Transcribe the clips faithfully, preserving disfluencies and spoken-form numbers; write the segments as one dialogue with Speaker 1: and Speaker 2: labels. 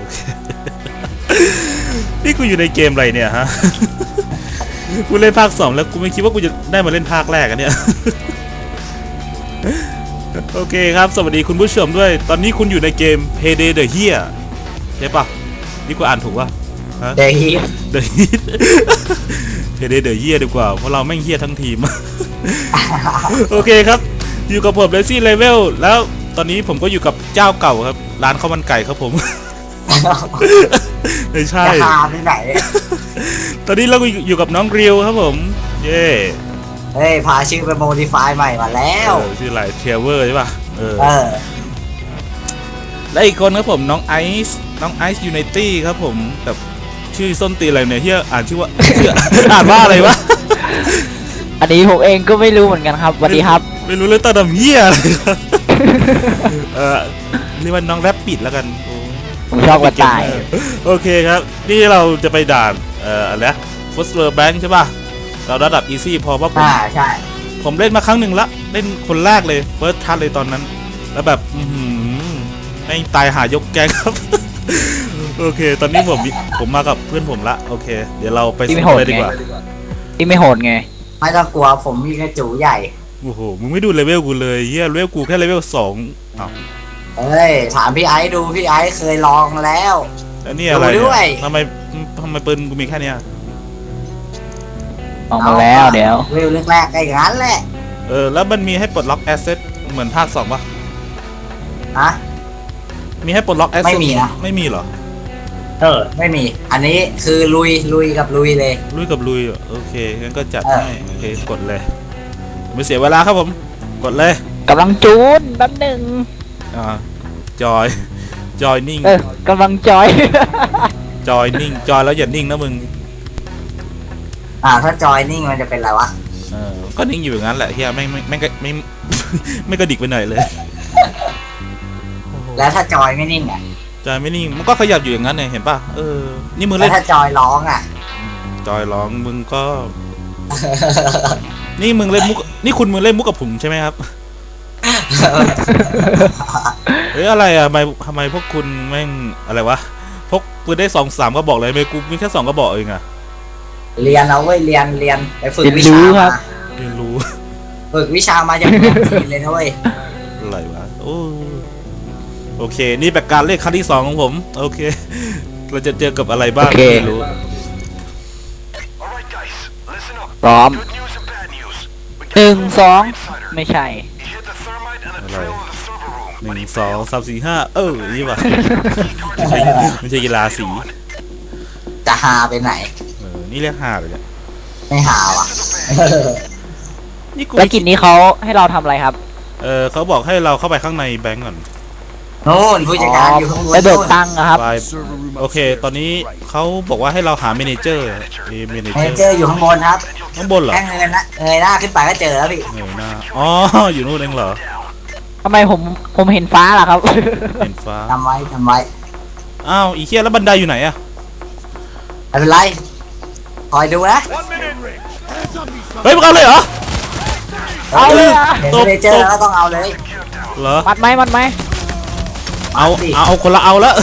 Speaker 1: นี่กูอยู่ในเกมอะไรเนี่ยฮะ กูเล่นภาคสองแล้วกูไม่คิดว่ากูจะได้มาเล่นภาคแรกอะเนี่ย โอเคครับสวัสดีคุณผู้ชมด้วยตอนนี้คุณอยู่ในเกม Payday the Here ใช่ปะนี่กูอ่านถูกปะ
Speaker 2: The Heat
Speaker 1: The Heat Payday the Here ดีกว่าเพราะเราแม่งเฮี้ยทั้งทีม โอเคครับอยู่กับผมเลซี่เลเวลแล้วตอนนี้ผมก็อยู่กับเจ้าเก่าครับร้านข้าวมันไก่ครับผม ไม่ใช่
Speaker 2: จะหาที่ไหน
Speaker 1: ตอนนี้เราอยู่กับน้องริวครับผมเย่
Speaker 2: เฮ้ยพาชื่อไปโมดิฟายใหม่มาแล้ว
Speaker 1: เออชื่ออะไรเทเวอร์ใช่ป่ะเออ
Speaker 2: เออ
Speaker 1: และอีกคนครับผมน้องไอซ์น้องไอซ์ยูไนตี้ครับผมแต่ชื่อส้นตีอะไรเนี่ยเฮียอ่านชื่อว่า อ่านว่าอะไรวะ
Speaker 3: อันนี้ผมเองก็ไม่รู้เหมือนกันครับสวัสดีครับ
Speaker 1: ไม่รู้เลยตาดำเฮียอะไรครับ เออเรียกว่าน้องแรปปิดแล้วกันโอ้
Speaker 3: ผมชอบกระต่าย
Speaker 1: โอเคครับนี่เราจะไปด่านเอ่ออะไรนะฟุตเวอร์แบงค์ใช่ป่ะเราระดับอีซี่พอเพราะผม
Speaker 2: อ่าใช่
Speaker 1: ผมเล่นมาครั้งหนึ่งละเล่นคนแรกเลยเฟิร์สทัชเลยตอนนั้นแล้วแบบอืมไม่ตายหายกแก๊งครับ โอเค ตอนนี้ผมผมมากับเพื่อนผมละโอเค เดี๋ยวเราไปสนุกเลยดีกว่า
Speaker 3: ที่ไม่โหดไง
Speaker 2: ไม่ต้องกลัวผมมีกระจูใหญ่
Speaker 1: โอ้โหมึงไม่ดูเลเวลกูเลยเฮียเลเวลกูแค่เลเวลสองอ้าว
Speaker 2: เฮ้ยถามพี่ไอ้ดูพี่ไอ้เคยลองแล้ว
Speaker 1: แล้วนี่อะไร
Speaker 2: ดูด้
Speaker 1: เนี่
Speaker 2: วย
Speaker 1: ยทำไมทำไมปืนกูมีแค่เนี้ย
Speaker 3: ออกมาแล้วเดี๋ยว
Speaker 2: วิวแรกๆก็อย่างนั้นแหละ
Speaker 1: เออแล้วมันมีให้ปลดล็อกแอสเซทเหมือนภาคสองป่ะ
Speaker 2: ฮะ
Speaker 1: มีให้ปลดล็อกแอสเซท
Speaker 2: ไม่มีนะ
Speaker 1: ไม่มีเหรอ
Speaker 2: เออไม่มี อันนี้คือลุยลุยกับลุยเลย
Speaker 1: ลุยกับลุยเหรอโอเคงั้นก็จัด
Speaker 2: เออ
Speaker 1: ให้โอเคกดเลยไม่เสียเวลาครับผมกดเลย
Speaker 3: กำลังจูนแป๊บหนึ่ง
Speaker 1: อ่าจอยจอยนิ่ง
Speaker 3: เออกำลังจอย
Speaker 1: จอยนิ่งจอยแล้วอย่านิ่งนะมึง
Speaker 2: อ่าถ้าจอยนิ่งมันจะเป็นอะไรวะ
Speaker 1: เออก็นิ่งอยู่อย่างนั้นแหละเฮียไม่ไม่ไม่ไม่ไม่ ไม่กระดิกไปไหนเลย
Speaker 2: แล้วถ้าจอยไม่นิ่งอ่ะ
Speaker 1: จอยไม่นิ่งมันก็ขยับอยู่อย่างนั้นเนี่ยเห็นป่ะเออนี่มึง
Speaker 2: แล้
Speaker 1: เล่
Speaker 2: วน ถ้าจอยร้องอ่ะ
Speaker 1: จอยร้องมึงก็ นี่มึงเล่นมุกนี่คุณมึงเล่นมุกกับผมใช่ไหมครับเฮ้ยอะไรอ่ะทำไมทำไมพวกคุณแม่งอะไรวะพกปืนได้สองสามก็บอกเลยไม่กูมีแค่สองก็บอกเองอะ
Speaker 2: เรียนเอาเว้ยเรียนเรียนไปฝึก
Speaker 3: เรียน
Speaker 2: วิ
Speaker 3: รู้
Speaker 2: ชา
Speaker 3: ครั
Speaker 2: มา
Speaker 3: บ
Speaker 1: เรียนรู้
Speaker 2: ฝึกวิชามาจากเมืองจีนเลยนะเว้ย
Speaker 1: อะไรวะโอ้โอเค นี่เป็นการเล่นครั้งที่สองของผม โอเค เราจะเจอกับอะไรบ้าง
Speaker 3: โอเค
Speaker 1: ไม่รู้
Speaker 3: พร้อมหนึ่งสองไม่ใช่
Speaker 1: อะไรหนึ่งสองสามสี่ห้าเออนี่ว่ะไม่ใช่ไม่ใช่กีฬาสี
Speaker 2: จะหาไปไหน
Speaker 1: เออนี่เรียกห้าเลยเนี่ย
Speaker 2: ไม่หาว่ะ
Speaker 1: นี่กู
Speaker 3: แล้วกิจนี้เขาให้เราทำอะไรครับ
Speaker 1: เออเขาบอกให้เราเข้าไปข้างในแบงก์ก่อน
Speaker 2: โน่นผู้จัดการอยู่ข้างบน
Speaker 3: ไปเบิก
Speaker 2: นู่น
Speaker 3: ตังค์อะครับ
Speaker 1: ไปโอเค ตอนนี้เขาบอกว่าให้เราหาเมเนเจอร์เอเมเน
Speaker 2: เม
Speaker 1: เจอ
Speaker 2: เน
Speaker 1: ร์
Speaker 2: เจอร์อยู่ข้างบนครับ
Speaker 1: ข้างบนเหรอ
Speaker 2: แค่เงยหน้าเงยหน้าขึ้นไปก็เจอแล้วพี่
Speaker 1: เงยหน้าอ๋ออยู่นู่นเองเหรอ
Speaker 3: ทำไมผมผมเห็นฟ้าล่ะครับ
Speaker 1: เห็นฟ้า
Speaker 2: ทำไว้ทำไว้
Speaker 1: อ้าวอีเคียแล้วบันไดอยู่ไหนอะ
Speaker 2: ไม่เป็นไรคอยดูนะ
Speaker 1: เฮ้ยมึงเอาเลยเหรอ
Speaker 3: เอาเลยอะ
Speaker 2: เห็น
Speaker 1: ตบ
Speaker 2: เมเนเจอร์แล้วก็ต้องเอาเลย
Speaker 1: เหรอ
Speaker 3: มัดไหมมัดไหม
Speaker 1: เอา
Speaker 2: สิ
Speaker 1: เอาเอาคนละเอาแล้ว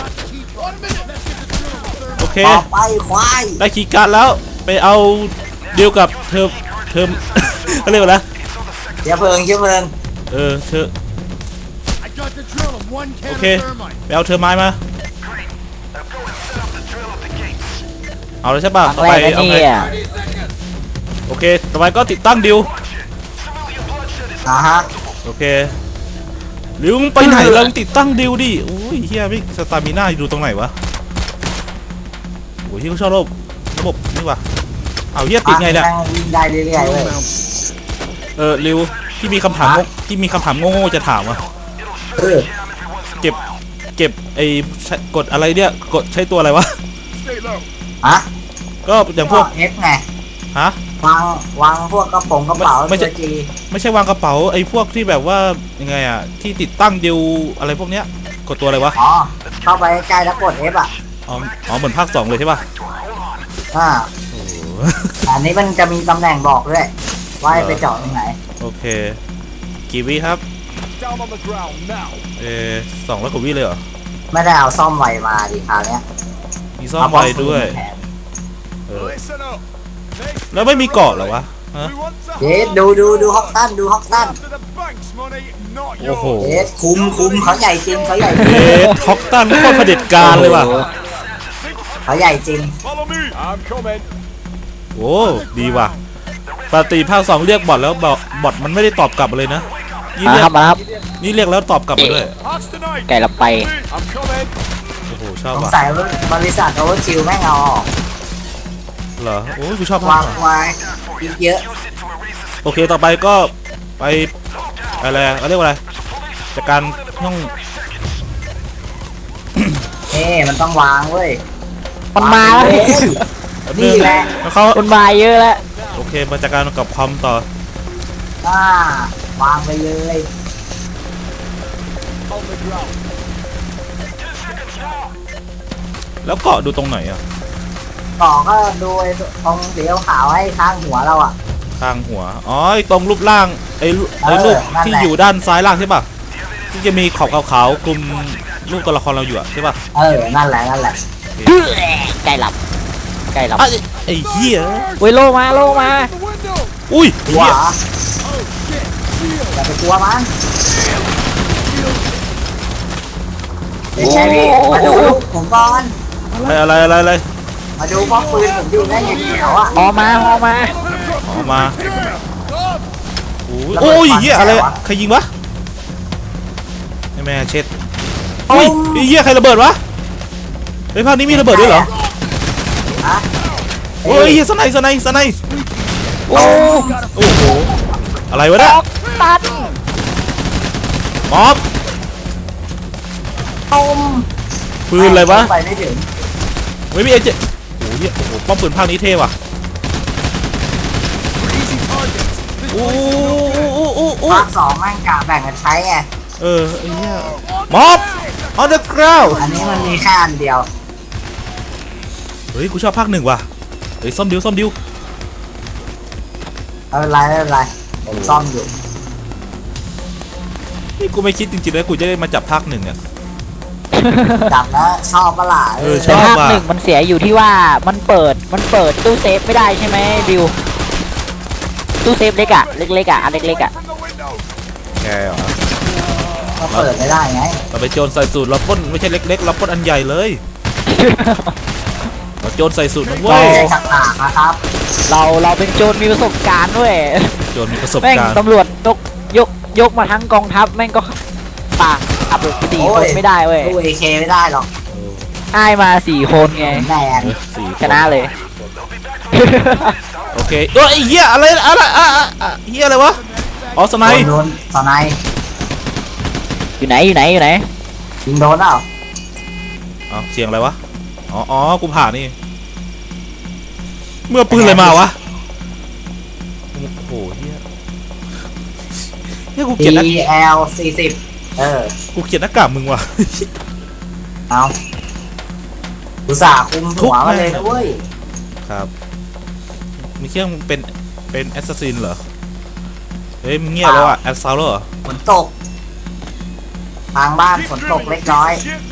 Speaker 1: โอเค
Speaker 2: ต่อไปควาย
Speaker 1: ได้คีย์การ์ดแล้วไปเอาเดียวกับเธอเธอ เขาเรียกว่าอะไร
Speaker 2: เชื้อเพลิงเชื้อเพลิง
Speaker 1: เออเธอโอเคไปเอาเธอไม้มาเอาเลยใช่ป่ะ
Speaker 3: ครั้ง
Speaker 1: ต่อ
Speaker 3: แร
Speaker 1: ไป
Speaker 3: กนะ
Speaker 1: เอาไง
Speaker 3: เนี่ย
Speaker 1: โอเคต่อไปก็ติดตั้งดิว
Speaker 2: อ่าฮะ
Speaker 1: โอเคหรือมึงไปไหนแล้วมึงติดตั้งดิวดิโอ้ยเฮียพี่สตามิน่าอยู่ตรงไหนวะโอ้ยที่เขาชอบระบบระบบนี่วะเอาเฮียติดไงเนี่ย
Speaker 2: นั่งวิ่งได้เรื่อยๆเว้ย
Speaker 1: เออริวที่มีคำถามงงที่มีคำถามโง่ๆจะถามอ่ะ
Speaker 2: เออ
Speaker 1: เก็บเก็บไอ้ใช้กดอะไรเนี่ยกดใช้ตัวอะไรวะ
Speaker 2: ฮะ
Speaker 1: ก็อย่างพ
Speaker 2: พ
Speaker 1: ว
Speaker 2: ว
Speaker 1: ก
Speaker 2: กเอฟไง
Speaker 1: ฮะ
Speaker 2: วางวางพวกกระป๋องกระเป๋า
Speaker 1: ไม่ใช่
Speaker 2: ตัวจี
Speaker 1: ไม่ใช่วางกระเป๋าไอ้พวกที่แบบว่ายังไงอ่ะที่ติดตั้งดิวอะไรพวกเนี้ยกดตัวอะไรวะ
Speaker 2: อ๋อเข้าไปใกล้แล้วกดเอฟอ่ะ
Speaker 1: อ๋ออ๋อเหมือนภาคสองเลยใช่ป่ะ
Speaker 2: อ่า
Speaker 1: โอ้โห
Speaker 2: อันนี้มันจะมีตำแหน่งบอกด้วยว่าให้ไปเจาะตรงไหน
Speaker 1: โอเคกี่วิครับเออสองร้อยกว่าวิเลยเหรอ
Speaker 2: ไม่ได้เอาซ่อมไวมาดิคราวเนี้ย
Speaker 1: มีซ่อมไวด้วยเออ
Speaker 4: Listen up.
Speaker 1: แล้วไม่มีเกาะเหรอวะฮะ
Speaker 4: We want to
Speaker 2: เยสดูดูดูฮอกตันดูฮอกตัน
Speaker 4: after the bank's money, not
Speaker 1: โอ้โห
Speaker 4: yours.
Speaker 2: เยสคุมคุมเขาใหญ่จริงเขาใหญ่จ
Speaker 1: เอ
Speaker 2: ริง
Speaker 1: สฮอกตันโคตรเผด็จการเลยว่ะ
Speaker 2: เขาใหญ่จริง
Speaker 4: Follow me. I'm coming.
Speaker 1: โอ้ดีว่ะปกติภาคสองเรียกบอทแล้วบอทบอทมันไม่ได้ตอบกลับมาเลยนะนี่
Speaker 3: มา
Speaker 1: เรีย
Speaker 3: ครั
Speaker 1: ก
Speaker 3: บมาครับ
Speaker 1: นี่เรียกแล้วตอบกลับมาด้วย
Speaker 4: Hearts tonight.
Speaker 3: ไก่ละไป
Speaker 4: I'm coming.
Speaker 1: โอ้โหชอบ
Speaker 2: สง
Speaker 1: ว่ะ
Speaker 2: สัยว่าบริษัทโอเวอร์ชิลแม่งเอาออก
Speaker 1: เหรอโอ้ยกูชอบภาว
Speaker 2: า
Speaker 1: ค
Speaker 2: ง
Speaker 1: สอง
Speaker 2: ไว้อีกเยอะ
Speaker 1: โอเคต่อไปก็ไปอะไรอะเขาเรียกว่าอะไรจากการห้อง
Speaker 2: เอ้มันต้องวางเว้ย
Speaker 3: มันมาแล้ว
Speaker 2: วงเลย
Speaker 1: แป๊บ
Speaker 2: นี่แหละ
Speaker 1: แล้วเขา
Speaker 3: มันมาเยอะแล้ว
Speaker 1: โอเคมาจากการกับคอมต่อ
Speaker 2: อ่าวางไปเลย
Speaker 4: On the ground.
Speaker 1: แล้วเกาะดูตรงไหนอ่ะ
Speaker 2: ต่อก็ดูไอ้ตรงสีขาวๆให้ข้างหัวเราอ่ะ
Speaker 1: ข้างหัวอ๋อไอ้ตรงรูปร่างไอ้รูไอ้รูป
Speaker 2: เออนั่นแหละ
Speaker 1: ที่อยู่ด้านซ้ายล่างใช่ป่ะที่จะมีขอบขาวๆคลุมรูปตัวละครเราอยู่อะใช่ป่ะ
Speaker 2: เออนั่นแหละนั่นแหละ
Speaker 3: ไก่หลับไก่หลับ
Speaker 1: ไอ้ไอ้เหี้ย
Speaker 3: เว้ยโลมาโลมา
Speaker 4: The window.
Speaker 1: อุ้ย
Speaker 2: ก
Speaker 1: ไอ้
Speaker 2: ลัว
Speaker 1: เหี้ย
Speaker 2: เหรออย่าไปกลัวมันไม่ใช่พี่มาดูผมก่อน
Speaker 1: อะไรอะไรอะไรอะไร
Speaker 2: มาดูป้อมปืนผมอยู่ได้ยังเขียวอ่ะ
Speaker 3: ฮอมาฮอมา
Speaker 1: ออกมาโอ้ยโอ้ยเหี้ยอะไรอะใครยิงวะไอ้แม่เช็ดอุ้ยไอ้เหี้ยใครระเบิดวะไอ้ภาคนี้มีระเบิดด้วยเหรอ
Speaker 2: ฮะ
Speaker 1: โอ้ยเหี้ยสไนส์สไนส์สไนส์
Speaker 3: โอ้
Speaker 1: โอ้โหอะไรวะเนี่ย
Speaker 3: ตัน
Speaker 1: มอบ
Speaker 2: ต้ม
Speaker 1: ปืนอะไรวะ
Speaker 2: ไปไม่ถึง
Speaker 1: ไม่มีเอเจโอ้โหเหี้ยโอ้โหป้อมปืนภาคนี้เท่ว่ะโอ้โอ้โอ้โอ้
Speaker 2: ภาคสองแม่งกะแบ่งกันใช้ไง
Speaker 1: เออไอ้เหี้ยมอบ on the ground
Speaker 2: อันนี้มันมีแค่อันเดียว
Speaker 1: เฮ้ยกูชอบภาคหนึ่งว่ะเฮ้ยซ่อมดิวซ่อมดิว
Speaker 2: ไม่เป็นไรไม่เป็นไรผมซ่อมอยู่
Speaker 1: นี่กูไม่คิดจริงๆนะกูจะได้มาจับภาคหนึ่งเนี่ย
Speaker 2: จับแล้วชอบปะล่ะ
Speaker 1: เออช
Speaker 3: แต่
Speaker 1: อบ
Speaker 3: ภาค
Speaker 1: ว่ะ
Speaker 3: หนึ่งมันเสียอยู่ที่ว่ามันเปิดมันเปิดตู้เซฟไม่ได้ใช่ไหมบิวตู้เซฟเล็กอะเล็กๆอะอันเล็กๆอะ
Speaker 4: From the window.
Speaker 1: แกเหรอ
Speaker 2: ก็เปิดไม่ได้ไง
Speaker 1: เราไปโจรใส่สูตรเราปล้นไม่ใช่เล็กๆเราปล้นอันใหญ่เลยเราโจรใส่สูตรนะ
Speaker 2: ไม่
Speaker 1: เว้ย
Speaker 2: ใช่ฉากๆนะครับ
Speaker 3: เราเราเป็นโจรมีประสบการณ์ด้วย
Speaker 1: โจรมีประสบ
Speaker 3: แม่ง
Speaker 1: การณ์
Speaker 3: ตำรวจยกยกยกมาทั้งกองทัพแม่งก็ปากขับรถสี่
Speaker 2: โอ้
Speaker 3: คน
Speaker 2: ย
Speaker 3: ไม่ได้เว้ย
Speaker 2: ตู้เอเคไม่ได้หรอก
Speaker 3: อ้ายมาสี่คนไง
Speaker 2: แมน
Speaker 1: เออสี่ค
Speaker 3: ชนะเลย
Speaker 1: โอเคเอ้ยไอ้เหี้ยอะไรอะไรอะอะอะเหี้ยอะไรวะอ๋อสไน
Speaker 2: โด
Speaker 1: ป์
Speaker 2: นโดนสไนป์
Speaker 3: อยู่ไหนอยู่ไหนอยู่ไหน
Speaker 2: ยิงโดนเปล่า
Speaker 1: อ๋อเสียงอะไรวะอ๋ออ๋อกูผ่านนี่เมื่อปืนอะไรมาวะโอ้โหเหี้ยเหี้ยกูเกลียดนะ
Speaker 2: ดี แอล สี่สิบเออ
Speaker 1: กูเกลียดหน้ากากมึงว่ะ
Speaker 2: เอาอุตส่าห์คุมหัวมาเลยนะเว้ย
Speaker 1: ครับมีเครื่องเป็นเป็นแอสซัสซินเหรอเฮ้ยมึงเงียบแล้วอ่ะแอสซาวเหรอ
Speaker 2: ฝนตก ทางบ้านฝนตกเล็กน้อย
Speaker 4: Shit.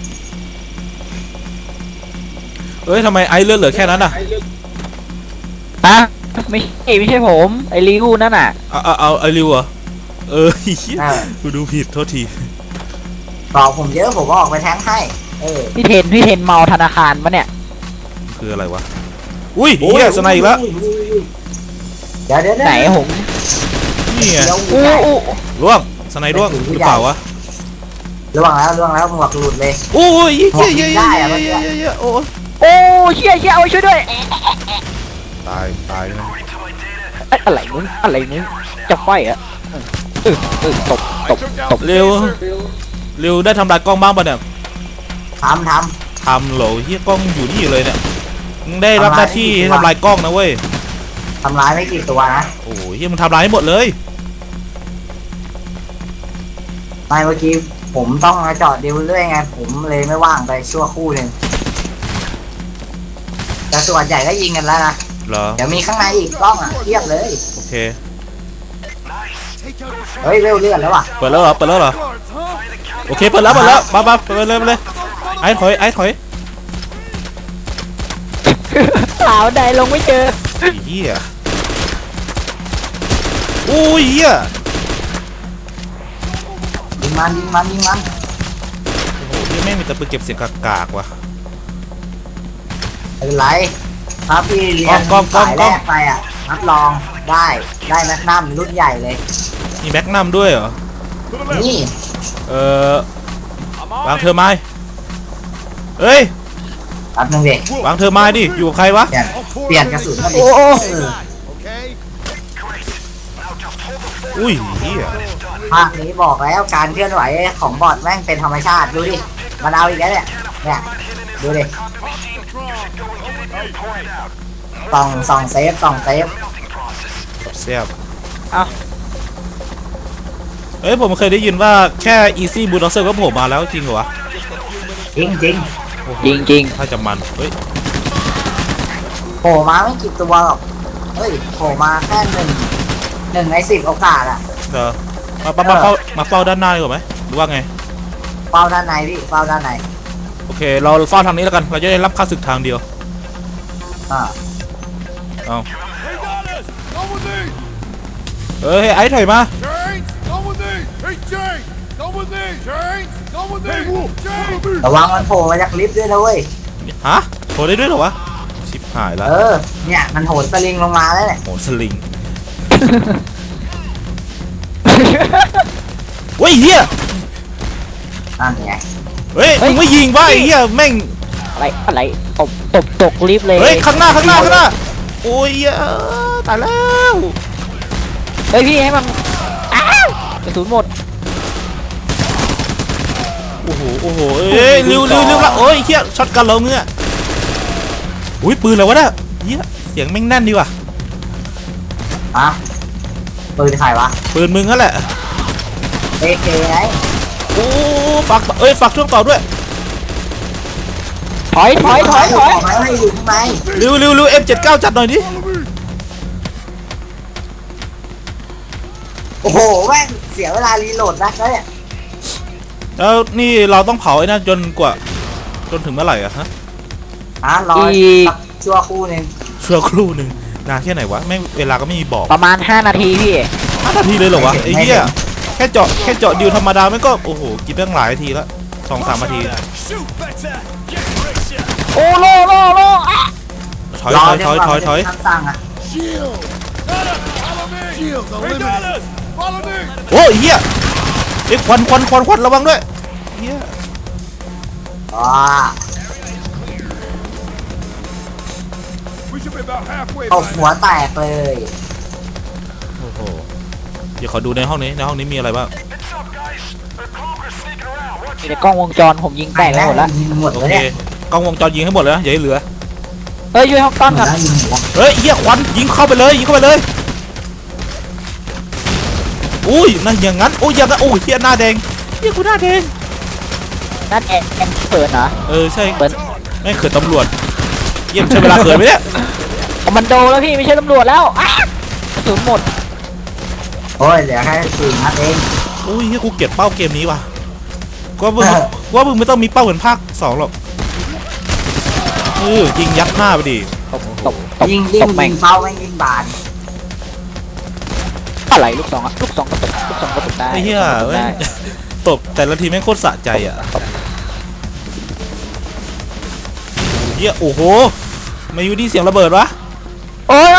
Speaker 1: เอ้ยทำไมไอเลือดเหลือแค่นั้นอ่ะ
Speaker 3: ฮะไม่ใช่ไม่ใช่ผมไอ้ลิวนั่นน่ะ
Speaker 1: เอาเอาเอาไอริวเหรอเออเหี้ย
Speaker 2: เออ
Speaker 1: กูดูผิดโทษที
Speaker 2: ต่อผมเยอะผมก็ออกไปแทงให้ เออ
Speaker 3: พี่เทนพี่เทนเมาธนาคารปะเนี่ย
Speaker 1: คืออะไรวะอุ้ยเฮียสไนอีกแล้ว
Speaker 2: เดี๋ยวเดี๋ยวเดี๋ยว
Speaker 3: ไหนผม
Speaker 1: นี่ไง
Speaker 2: เดี๋ยว
Speaker 3: อู้อู้
Speaker 1: ร่วงสไนร่วงหรือเปล่าวะ
Speaker 2: ล่วงแล้วล่วงแล้วหมวกหลุดเลย
Speaker 1: โอ้ยเฮียเฮียเฮีย
Speaker 2: ได้
Speaker 1: เฮีย
Speaker 2: อะมัน
Speaker 1: เฮียเฮียโอ้ย
Speaker 3: โอ้เชี่ยเชี่ยเอาช่วยด้วย
Speaker 1: ตายตายนะ
Speaker 3: เอ้ยอะไรมึงอะไรมึงจะไฟเหรอ่ะเออเออตบตบตบ
Speaker 1: เร็วเร็วได้ทำลายกล้องบ้างปะเนี่ย
Speaker 2: ทำท
Speaker 1: ทำโหลเฮียกล้องอยู่นี่อยู่เลยเนี่ยมึงได้รับหน้าที่ให้ทำลายกล้องนะเว้ย
Speaker 2: ำทำร้ายไม่กี่ตัวนะ
Speaker 1: โอ้ยเฮียมึงทำลายให้หมดเลย
Speaker 2: ไม่เมื่อกี้ผมต้องมาจอดดิวเรื่อยไง ผมเลยไม่ว่างไปชั่วครู่หนึ่งแต่ส่วนใหญ่ก็ยิงกันแล้วนะ
Speaker 1: เหรอ
Speaker 2: เดี๋ยวมีข้างในอีกกล้องอ่ะเทียบเลย
Speaker 1: โอเค
Speaker 2: เฮ้ยเร็วเลื่อนแล้วว่ะ
Speaker 1: เปิดแล้วเหรอเปิดแล้วเหรอ
Speaker 4: Guards, huh?
Speaker 1: โอเคเปิดแล้วเปิดแล้วมามาเปิดเลยเปิดเลย
Speaker 4: Follow
Speaker 1: ไอ้ถอยไอ้ถอย
Speaker 3: สาวใดลงไม่เจอ
Speaker 1: ไอ้เหี้ยโอ้ยเหี้ย
Speaker 2: ยิงมันยิงมันยิงมัน
Speaker 1: โอ้โหเหี้ยแม่งมีแต่ปืนเก็บเสียงกากๆว่ะ
Speaker 2: ไม่เป็นไรถ้าพี่เรียน
Speaker 1: กล้องกล้อง
Speaker 2: สาย
Speaker 1: กล้
Speaker 2: แร
Speaker 1: อง
Speaker 2: กไปอ่ะรับรองได้ได้แมกนัมรุ่นใหญ่เลย
Speaker 1: มีแม็กนัมด้วยเหรอ
Speaker 4: To the left.
Speaker 2: นี่
Speaker 1: เออ
Speaker 4: I'm
Speaker 1: วาง
Speaker 4: on
Speaker 1: เธอไม้เอ้ย
Speaker 2: แป๊บนึงเด็ก
Speaker 1: วางเธอไม้ดิอยู่กับใครวะ
Speaker 2: เปลี่ยนเปลี่ยนกระสุนมาดิ
Speaker 3: โอ้โอ้
Speaker 2: เออ
Speaker 4: Okay.
Speaker 1: อุ้ยเหี้ย
Speaker 2: ภาคนี้บอกแล้วการเคลื่อนไหวของบอดแม่งเป็นธรรมชาติดูดิมันเอาอีกแล้วเนี่ยเนี่ยดูดิส่องส่องเซฟส่องเซฟ
Speaker 1: แซ่บ
Speaker 3: เอ้า
Speaker 1: เอ้ยผมเคยได้ยินว่าแค่ easy bulldozer ก็โผล่มาแล้วจริงเหรอวะ
Speaker 2: จริงจริง
Speaker 3: จริงจริง
Speaker 1: ถ้าจะมันเฮ้ย
Speaker 2: ๆโผล่มาไม่กี่ตัวหรอกเฮ้ยโผล่มาแค่หนึ่งหนึ่งในสิบโอกาสอะ
Speaker 1: เดี๋ยวมามามาเฝ้ามาเฝ้าด้านหน้าดีกว่าไหมหรือว่าไง
Speaker 2: เฝ้าด้านในพี่เฝ้าด้านใน
Speaker 1: โอเคเราเฝ้าทางนี้แล้วกันเราจะได้รับค่าศึกทางเดียว
Speaker 2: อ่า
Speaker 1: เอา
Speaker 4: Hey, Dallas! Come with me!
Speaker 1: เอ้ยไอ้ถอยมา
Speaker 4: James! Come with me! Hey, James! Come with me! James! Come with me! Hey, Wolf! James!
Speaker 2: ระวังมันโผล่มาจากลิฟต์ด้วยนะเว้ย
Speaker 1: ฮะโผล่ได้ด้วยเหรอวะชิบหายแล้ว
Speaker 2: เออเนี่ยมันโหนสลิงลงมาแล้วเนี่ย
Speaker 1: โหสลิงเฮ้ยเฮีย
Speaker 2: นั่นไง
Speaker 1: เฮ้ยมึงไม่ยิงวะไอ้เฮียแม่ง
Speaker 3: อะไรอะไรตบตบตกลิฟต์เลย
Speaker 1: เฮ้ยข้างหน้าข้างหน้าข้างหน้าโอ้ยเหี้ยตายแล้ว
Speaker 3: เฮ้ยพี่ให้มันอ้าวกระสุนหมด
Speaker 1: โอ้โหโอ้โหเอ้ยเร็วเร็วเร็วละโอ้ยเฮียช็อตกันเราเงี้ยอุ้ยปืนอะไรวะเนี่ยเฮียเสียงแม่งแน่นดีว่ะ
Speaker 2: ฮะปืนใครวะ
Speaker 1: ปืนมึงนั่นแหละ
Speaker 2: เอเคไง
Speaker 1: โอ้ฝากเอ้ยฝากช่วงต่อด้วย
Speaker 3: ถอยถอยถอยถอย
Speaker 2: บอกแล้วให้อยู่ข้างใน
Speaker 1: เร็วเร็วเร็ว เอ็ม เจ็ดสิบเก้า จัดหน่อยดิ
Speaker 2: โอ้โหแม่งเสียเวลารีโหลดนะเนี่ย
Speaker 1: แล้วนี่เราต้องเผาไอ้นั่นจนกว่าจนถึงเมื่อไหร่อะฮะ
Speaker 2: ฮะรอสักชั่วคู่หนึง
Speaker 1: ชั่วครู่หนึ่งนานแค่ไหนวะแม่งเวลาก็ไม่มีบอก
Speaker 3: ประมาณห้านาทีพี่
Speaker 1: ห้านาทีเลยเหรอวะไอ้เหี้ยแค่เจาะแค่เจาะดิวธรรมดาไม่ก็โอ้โหกินตั้งหลายนาทีแล้วสองสามนาที
Speaker 4: Shoot better! Get richer!
Speaker 3: โอ้โลโลโลอ่ะ
Speaker 1: ถอย
Speaker 2: รอ
Speaker 1: ถอย
Speaker 2: จน
Speaker 1: ถอย
Speaker 2: กว่า
Speaker 1: ถอยถอย
Speaker 2: มันจะมีคำสั่งอะ
Speaker 4: Shield! Dallas! Follow me! Shield! Hey, Dallas! Follow me!
Speaker 1: โอ้ยเหี้ยเอ้ยควันควันควันควันระวังด้วยเหี้ย
Speaker 2: อ๋อ
Speaker 4: We should be about halfway
Speaker 2: ตบ
Speaker 4: by
Speaker 2: หัวแตกเลย
Speaker 1: โอ้โหเดี๋ยวขอดูในห้องนี้ในห้องนี้มีอะไรบ้าง
Speaker 3: มีแต่กล้องวงจรผมยิงแตกไปหมดแล้ว
Speaker 2: ยิงหมด
Speaker 1: โอ
Speaker 2: แล้ว
Speaker 1: เค
Speaker 2: เนี่ย
Speaker 1: กล้องวงจรยิงให้หมดเลยนะอย่าให้เหลือ
Speaker 3: เฮ้ยช่วยห้องต้อน
Speaker 2: หม
Speaker 3: ก่
Speaker 2: ด
Speaker 3: อน
Speaker 2: แล้วยิงหมดแล้ว
Speaker 1: เฮ้ยเหี้ยควันยิงเข้าไปเลยยิงเข้าไปเลยอุ้ยนั่นอย่างนั้นโอ้ยอย่างนั้นโอ้ยเหี้ยหน้าแดงเหี้ยกูหน้าแดง
Speaker 3: นั่นแอนแอนเปิดเหรอ
Speaker 1: เออใช่
Speaker 3: เปิด
Speaker 1: แม่งเขินตำรวจเยี่ยมใช้เวลาเขินไหมเนี่ย
Speaker 3: คอมมานโดแล้วพี่ไม่ใช่ตำรวจแล้วอ่ะกระสุนหมด
Speaker 2: โอ้ยเหลือแค่สี่นัดเอง
Speaker 1: อุ้ยเหี้ยกูเกลียดเป้าเกมนี้ว่ะก็ว่ามึงว่ามึงไม่ต้องมีเป้าเหมือนภาคสองหรอกเออยิงยัดหน้าไปดิ
Speaker 3: ตบตบตบ
Speaker 2: ยิงยิ
Speaker 3: ต
Speaker 2: ง
Speaker 3: บแม่
Speaker 2: ยิ
Speaker 3: ง
Speaker 2: งเป้าแม่งยิงบาน
Speaker 3: อะไรลูกสองอะลูกสองก็ตบลูกสองก็ตบได้
Speaker 1: ไอ้เหี้ย
Speaker 3: ตบ
Speaker 1: แม่
Speaker 3: ได้
Speaker 1: งตบแต่ละทีแม่งโคตรสะใจอ่ะเหี้ยโอ้โหมาอยู่ดีเสียงระเบิดวะ
Speaker 3: โอ้ย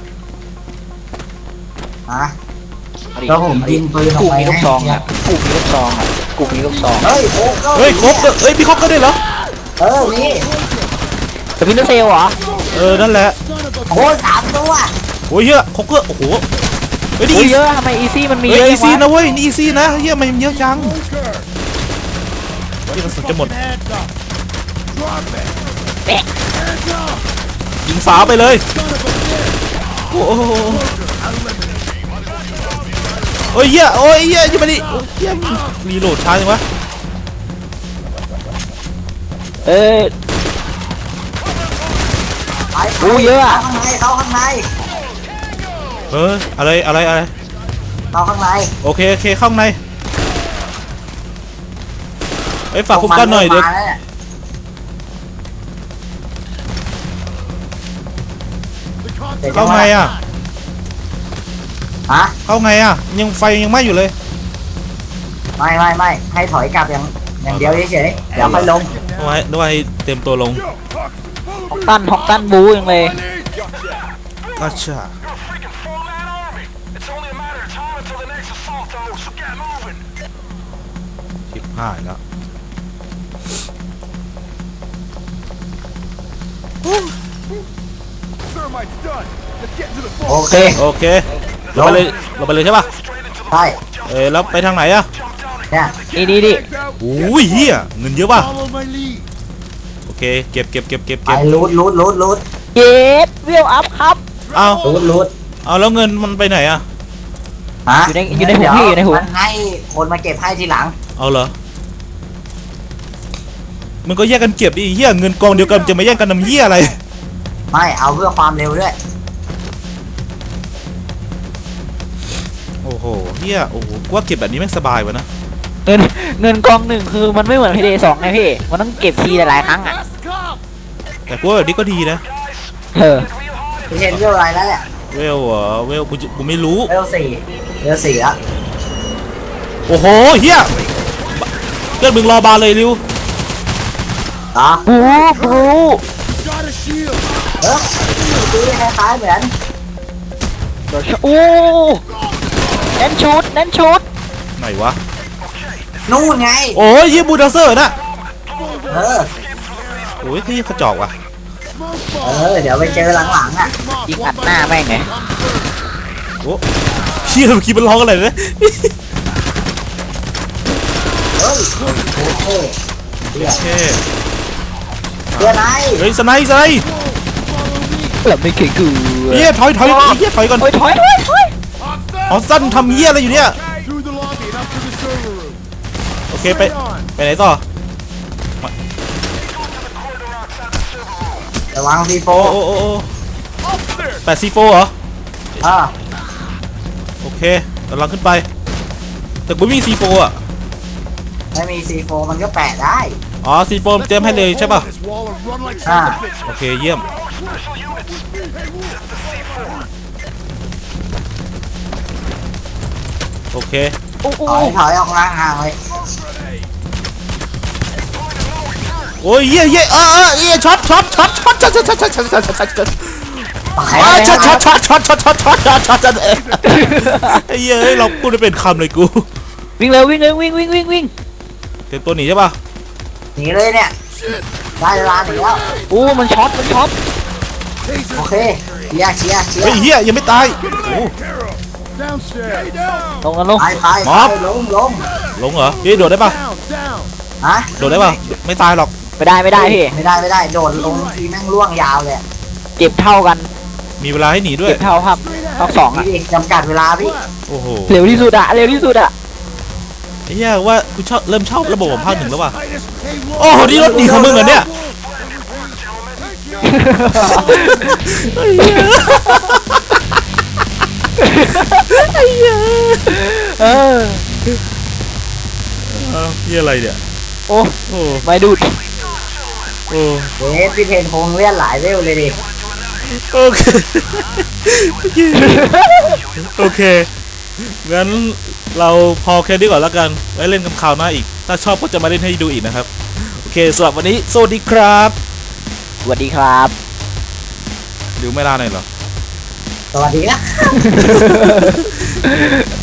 Speaker 2: ฮะ แล้วผมยิงปืนออก
Speaker 3: กู
Speaker 2: ไป
Speaker 3: มีลูกซอง
Speaker 2: ให้
Speaker 3: อ่ะกูมีลูกซองอ่ะกูมีลูกซอง
Speaker 2: เฮ้ยโอ้ก็
Speaker 1: เฮ้ยครบเฮ้ยพี่ครบก็ได้เหรอ
Speaker 2: เออนี่
Speaker 3: แต่พินเซลเหรอ
Speaker 1: เออนั่นแหละ
Speaker 2: โอ้ยสามตัว
Speaker 1: โอ้ยเหี้ยครบก็โอ้โหเฮ้ยนี่
Speaker 3: โอ้ย
Speaker 1: อี
Speaker 3: เยอะทำไมอีซี่มันมี
Speaker 1: เฮ้
Speaker 3: เย
Speaker 1: ย
Speaker 3: อะ
Speaker 1: อีซี่
Speaker 3: จัง
Speaker 1: นะ
Speaker 3: วะ
Speaker 1: เว้ยนี่อีซี่นะเหี้ยมันเยอะจัง
Speaker 4: Poker!
Speaker 1: เหี้ยกระสุนจะหมด
Speaker 4: Hands up! Drop it!
Speaker 3: แปะ
Speaker 4: Hands up!
Speaker 1: ยิงฝาไปเลย
Speaker 4: Son of a bitch!
Speaker 1: โอ้โหโอ้ยเหี้ยโอ้ยเหี้ยยิงมาดิโอ้ยเหี้ยรีโหลดช้าจังวะ
Speaker 3: เอ้ย
Speaker 2: ไป
Speaker 3: โอ้เยอะอะ
Speaker 2: เข้าข้างในเข้าข้างใน
Speaker 1: เอออะไรอะไรอะไร
Speaker 2: เข้าข้างใน
Speaker 1: โอเคโอเคเข้าข้างในไอ้ยฝากคุ้มกันหน่อยเดี๋ยว
Speaker 2: มาแล้วเนี่ยเสร็จยั
Speaker 1: เข้าง ไง
Speaker 2: วะ
Speaker 1: อ่ะ
Speaker 2: ฮะ
Speaker 1: เข้าไงอ่ะยังไฟยังไหม้อยู่เลย
Speaker 2: ไม่ไม่ไม่ให้ถอยกลับอย่างอย่างเดียวเฉยๆเดี๋ยวค่อยลง
Speaker 1: เอาไว้เอาไว้เต็มตัวลง
Speaker 4: Yo, Hux,
Speaker 3: ฮอก
Speaker 4: follow me.
Speaker 3: ตันฮอกตันบูยังเลย
Speaker 4: I need.
Speaker 1: ก็ช่า
Speaker 5: You're a freaking four-man army. It's only a matter of time until the next assault, though, so get moving.
Speaker 1: ชิบหายแล้ว
Speaker 4: Thermite's done. Let's get into the
Speaker 2: โอ
Speaker 4: vault.
Speaker 2: เค
Speaker 1: โอเคเราไปเลยเราไปเลยใช่ป่ะ
Speaker 2: ใช่
Speaker 1: เอ้ยแล้วไปทางไหนอ่ะ
Speaker 2: เนี่ย
Speaker 3: นี่นี่นี่
Speaker 4: Legs out.
Speaker 1: โอ้ยเฮียเงินเยอะป่ะ
Speaker 4: Follow my lead.
Speaker 1: โอเคเก็บเก็บเก็บเก็บ
Speaker 2: ไป
Speaker 1: เก็บ
Speaker 2: รูดรูดรูดรูด
Speaker 3: เย็ดวิวอัพครับ
Speaker 1: เอา
Speaker 2: รูดรูด
Speaker 1: เอาแล้วเงินมันไปไหนอ่ะ
Speaker 2: ฮะ
Speaker 3: อยู่ในอยู่ในหูพี่อยู่ในหู
Speaker 2: มันให้คนมาเก็บให้ทีหลัง
Speaker 1: เอาเหรอมันก็แยกกันเก็บดิเฮียเงินกองเดียวกันจะมาแย่งกันทำเฮียอะไร
Speaker 2: ไม่เอาเพื่อความเร็วด้วย
Speaker 1: โอ้โหเฮียโอ้โหกูว่าเก็บแบบนี้แม่งสบายวะนะ
Speaker 3: เงินเงินกองหนึ่งคือมันไม่เหมือนพีเดสองไงพี่ มันต้องเก็บทีหลายๆครั้งอ่ะ
Speaker 4: That's the cop.
Speaker 1: แต่กูว่าแบบนี้ก็ดีนะ
Speaker 3: เออ
Speaker 2: พี่เชนเรื่องอะไรแล้วเนี่ย
Speaker 1: เวลเหรอเวลกูจะกูไม่รู้
Speaker 2: เรื่องสี่เรื่องสี่แล้ว
Speaker 1: โอ้โหเฮียเพื่อนมึงรอบาร์เลยริว
Speaker 2: อ๋อ
Speaker 3: บูบู
Speaker 4: Got a shield.
Speaker 2: เออตีคล้ายๆเหมือน
Speaker 3: เดี๋ยวโอ้เน้นชุดเน้นชุด
Speaker 2: Ờ.
Speaker 1: ไหนวะ
Speaker 2: นู่นไง
Speaker 1: โอ้ยยี่บูลเดอร์เซอร์น่ะ
Speaker 2: เออ
Speaker 1: โอ้ยที่กระจอกว่ะ
Speaker 4: Smoke
Speaker 2: เอ
Speaker 4: bomb.
Speaker 2: อ เดี๋ยวไปเจอหลังๆอ่ะ
Speaker 4: Come on,
Speaker 3: ยิง
Speaker 4: one
Speaker 3: อัด
Speaker 4: by
Speaker 3: หน้า
Speaker 4: one.
Speaker 3: แม่งไง
Speaker 1: โอ้เชี่ยเมื่อกี้มันร้องอะไรนะ
Speaker 2: เฮ้ยโอเค
Speaker 1: โอเค
Speaker 2: เพื่อนไอ้
Speaker 1: เฮ้ยสไนส์สไนส์
Speaker 3: เกือบไม่เก่งกู
Speaker 1: เฮียถอยถอยไอ้เฮียถอยก่อน
Speaker 3: โอ้ยถอยถอยถอย
Speaker 1: อ๋อสั้นทำเฮียอะไรอยู่เนี่ย
Speaker 4: Through the lobby and up to the server room.
Speaker 1: โอเคไป
Speaker 4: Straight on.
Speaker 1: ไปไหนต่อ
Speaker 2: ระวังซีโฟ
Speaker 1: โอ้โอ้โอ้โอ้
Speaker 4: Upstairs.
Speaker 1: แปดซีโฟเหรอ
Speaker 2: เออ
Speaker 1: โอเคกำลังขึ้นไป แต่กูไม่มีซีโฟอ่ะ
Speaker 2: ไม่มีซีโฟมันก็แปะได้
Speaker 1: อ๋อซีโฟเตรียมให้เลยใช่ป่ะ
Speaker 4: This wall and run like
Speaker 2: อ่า
Speaker 4: sons of bitches.
Speaker 1: โอเคเยี่ยม โอเค
Speaker 3: โอ้โห
Speaker 2: ถอยถอยออกห่างๆเลย
Speaker 1: โอ้ยเยี่ยเยี่ยเออเออเยี่ยช็อตช็อตช็อตช็อตช็อตช็อตช็อตช็อตช็อตช็อตช็อตช็อตช็อต
Speaker 2: ไป
Speaker 1: อ่า
Speaker 2: ไป
Speaker 1: ช็อต
Speaker 2: ไป
Speaker 1: ช็อตช็อตช็อตช็อตช็อตช็อตช็อตช็อตไอ้เหี้ยเอ้ยเราพูดได้เป็นคำเลยกู
Speaker 3: วิ่งเร็ววิ่งเร็ววิ่งวิ่งวิ่งวิ่ง
Speaker 1: เตรียมตัวหนีใช่ป่ะ
Speaker 2: หนีเลยเนี่ย ได้เวลาหนีแล้ว
Speaker 3: โอ้มันช็อตมันช็อต
Speaker 2: โอเคเชียร์เชียร์เชีย
Speaker 1: เฮ้ย
Speaker 2: ร์
Speaker 1: เหี้ยยังไม่ตายโอ้
Speaker 4: Downstairs. Stay down.
Speaker 3: ลงกันลง
Speaker 2: ไปไป
Speaker 1: มอบ
Speaker 2: ไปลงลง
Speaker 1: ลงเหรอพี่โดดได้ป่ะ
Speaker 4: Down, down.
Speaker 2: ฮะ
Speaker 1: โดดได้ป่ะไม่ตายหรอก
Speaker 3: ไม่ได้ไม่ได้พี่
Speaker 2: ไม่ได้ไม่ได้โดดลงทีแม่งล่วงยาวเลย
Speaker 3: เจ็บเท่ากัน
Speaker 1: มีเวลาให้หนีด้วย
Speaker 3: เจ็บเท่าครับภาคสอง
Speaker 2: พี่
Speaker 3: อะ
Speaker 2: ดิจำกัดเวลาพี่
Speaker 1: โอ้โห
Speaker 3: เร็วที่สุดอะเร็วที่สุดอะ
Speaker 1: ไอ้เหี้ยว่ากูชอบเริ่มชอบระบบของภาคหนึ่งแล้วว่ะ
Speaker 4: Titus, hey, Wolf.
Speaker 1: โอ้โหนี่รถหนีของมึงเหรอเนี่ย
Speaker 3: เออ
Speaker 1: เอ้าเหี้ยอะไรเนี่ย
Speaker 3: โอ้
Speaker 1: โอ้
Speaker 3: ไม่ดูด
Speaker 1: โอ้
Speaker 2: เวสพี่เทนคงเลื่อนหลายเวลเลยดิ
Speaker 1: โอเคโอเคงั้นเราพอแค่นี้ก่อนแล้วกันไว้เล่นกันคราวหน้าอีก ถ้าชอบก็จะมาเล่นให้ดูอีกนะครับโอเคสำหรับวันนี้สวัสดีครับ
Speaker 3: สวัสดีครับ
Speaker 1: หรือไม่ลาหน่อยเหรอ
Speaker 2: สวัสดีนะ